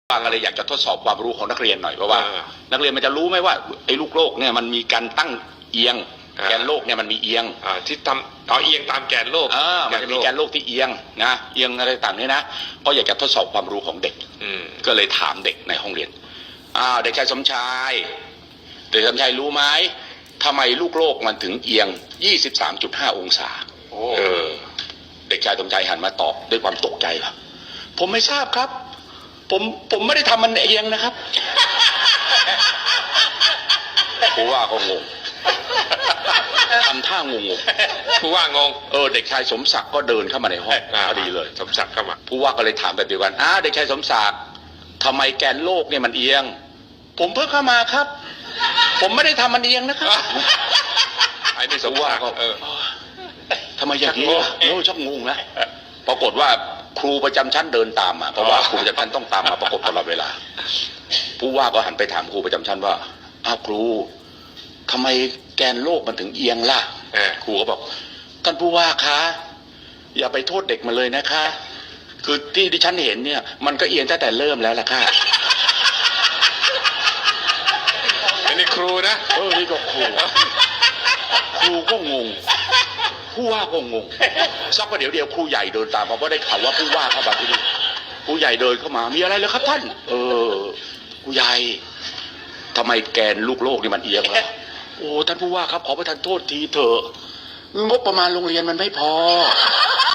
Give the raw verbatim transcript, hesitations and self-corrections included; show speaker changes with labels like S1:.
S1: ว่าก็เลยอยากจะทดสอบความรู้ของนักเรียนหน่อยเพราะว่า นักเรียนมันจะรู้ไหมว่าไอ้ลูกโลกเนี่ยมันมีการตั้งเอียงแกนโลกเนี่ยมันมีเอียง
S2: ที่ทำเอาเอียงตามแกนโลก
S1: มันจะมีแกนโลกที่เอียงนะเอียงอะไรต่างนี่นะก็อยากจะทดสอบความรู้ของเด็กก็เลยถามเด็กในห้องเรียนอ้าวเด็กชายสมชายเด็กสมชายรู้ไหมทำไมลูกโลกมันถึงเอียง ยี่สิบสามจุดห้า องศาเออเด็กชายสมชายหันมาตอบด้วยความตกใจครับผมไม่ทราบครับผมผมไม่ได้ทำมันเองนะครับผู้ว่าก็งงทำท่างงง
S2: ผู้ว่างง
S1: เออเด็กชายสมศักดิ์ก็เดินเข้ามาในห้องพอดีเลย
S2: สมศักดิ์เข้ามา
S1: ผู้ว่าก็เลยถามแบบเดียวกันอ้าเด็กชายสมศักดิ์ทำไมแกนโลกเนี่ยมันเอียงผมเพิ่งเข้ามาครับผมไม่ได้ทำมันเอียงนะครับ
S2: ไอ้นี่สมศักดิ์
S1: ก็เออทำไมอย่างนี้โอ้ชอบงงนะปรากฏว่าครูประจำชั้นเดินตามมาเพราะว่าครูประจำชั้นต้องตามมาประกบตลอดเวลาผู้ว่าก็หันไปถามครูประจำชั้นว่าอ้าวครูทำไมแกนโลกมันถึงเอียงล่ะครูก็บอกท่านผู้ว่าคะอย่าไปโทษเด็กมันเลยนะคะคือที่ที่ฉันเห็นเนี่ยมันก็เอียงตั้งแต่เริ่มแล้วล่ะค่ะ
S2: อันนี้ครูนะ
S1: เออนี่ก็ครูครูก็งงผู้ว่าก็งงสักประเดี๋ยวเดียวครูใหญ่เดินตามมาเพราะได้ข่าวว่าผู้ว่าเข้ามาที่นี่ครูใหญ่เดินเข้ามามีอะไรเลยครับท่านเออครูใหญ่ทำไมแกนลูกโลกนี่มันเอียงล่ะโอ้ท่านผู้ว่าครับขอประทานโทษทีเถอะงบประมาณโรงเรียนมันไม่พอ